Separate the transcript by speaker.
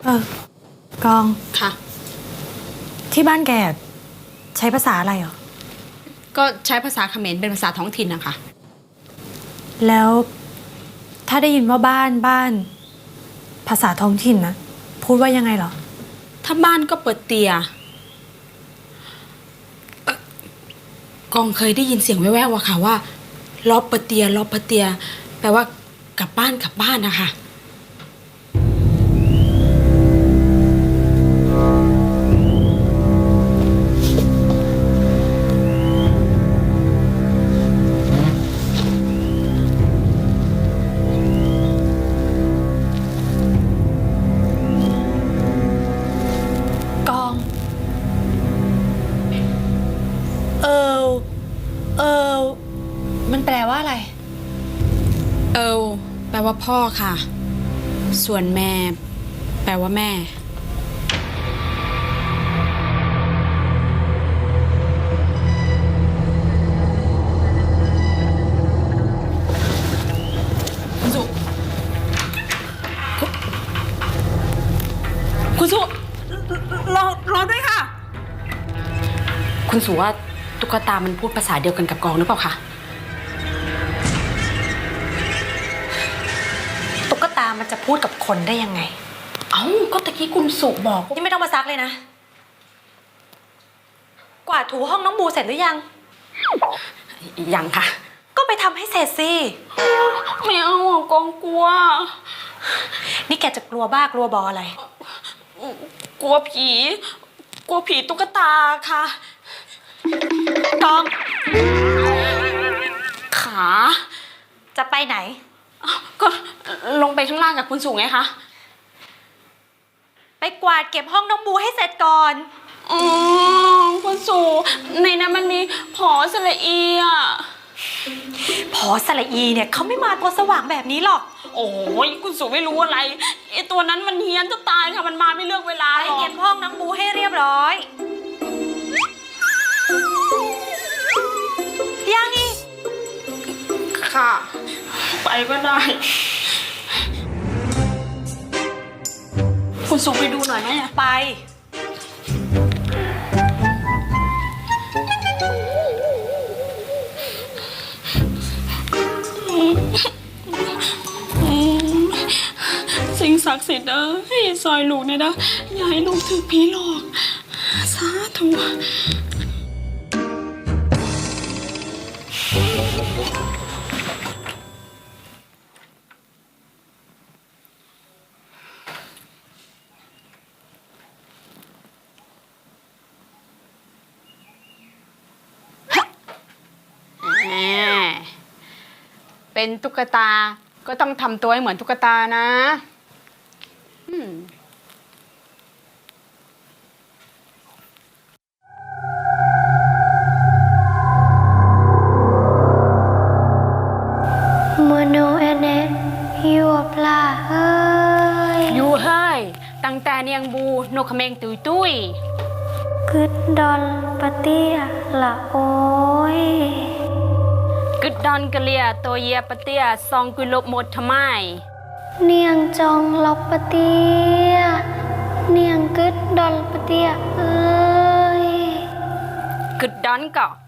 Speaker 1: กอง
Speaker 2: ค่ะ
Speaker 1: ที่บ้านแกใช้ภาษาอะไรเหรอ
Speaker 2: ก็ใช้ภาษาเขมรเป็นภาษาท้องถิ่นนะคะ
Speaker 1: แล้วถ้าได้ยินว่าบ้านภาษาท้องถิ่นนะพูดว่ายังไงเหรอ
Speaker 2: ถ้าบ้านก็เปิดเตียกองเคยได้ยินเสียงแว่วๆอะค่ะว่าล้อเปิดเตียล้อเปิดเตียแปลว่ากลับบ้านนะคะ
Speaker 1: กองมันแปลว่าอะไร
Speaker 2: แปลว่าพ่อค่ะ ส่วนแม่แปลว่าแม่คุณสุรอด้วยค่ะคุณสุว่าตุ๊กตามันพูดภาษาเดียวกันกับกองหรือเปล่าคะ
Speaker 1: ตุ๊กตามันจะพูดกับคนได้ยังไง
Speaker 2: ก็ตะกี้คุณสุบอก
Speaker 1: นี่ไม่ต้องมาซักเลยนะกวาดถูห้องน้องบูเสร็จหรือยัง
Speaker 2: ยังค่ะ
Speaker 1: ก็ไปทำให้เสร็จสิ
Speaker 2: ไม่เอากองกลัว
Speaker 1: นี่แกจะกลัวบ้ากลัวบออะไร
Speaker 2: กลัวผีตุ๊กตาค่ะ
Speaker 1: กอง
Speaker 2: ขา
Speaker 1: จะไปไหน
Speaker 2: ก็ลงไปข้างล่างกับคุณสุไงคะ
Speaker 1: ไปกวาดเก็บห้องน้องบูให้เสร็จก่อน
Speaker 2: คุณสุในนั้นมันมีผอสระอีอ่ะ
Speaker 1: ผอสระอีเนี่ยเขาไม่มาตัวสว่างแบบนี้หรอก
Speaker 2: โอ้ยคุณสุไม่รู้อะไรไอตัวนั้นมันเฮี้ยนจะตายค่ะมันมาไม่เลือกเวลา
Speaker 1: ไปเก็บห้องน้องบูให้เรียบร้อยยังอีก
Speaker 2: ค่ะไปก็ได้คุณสุไปดูหน่อยไหม
Speaker 1: ไป
Speaker 2: สิ่งศักดิ์สิทธิ์ให้ซอยลูกเนี่ยนะอย่าให้ลูกถือผีหลอกสาธุเป็นตุ๊กตาก็ต้องทำตัวให้เหมือนตุ๊กตานะ
Speaker 3: โมโนเอเนยูปลาเฮ้ย
Speaker 2: ยูเฮ้ยตั้งแต่เนียงบูนกเขมงตุยตุย
Speaker 3: กึดดอลปะเตียละโอ้ย
Speaker 2: กึดดอนกะเลียตัวเยียปะเตียซองกุลบหมดทำไม
Speaker 3: เนียงจองลบปะเตียเนียงกึดดอลปะเตียเอ้ย
Speaker 2: กึดดอนก็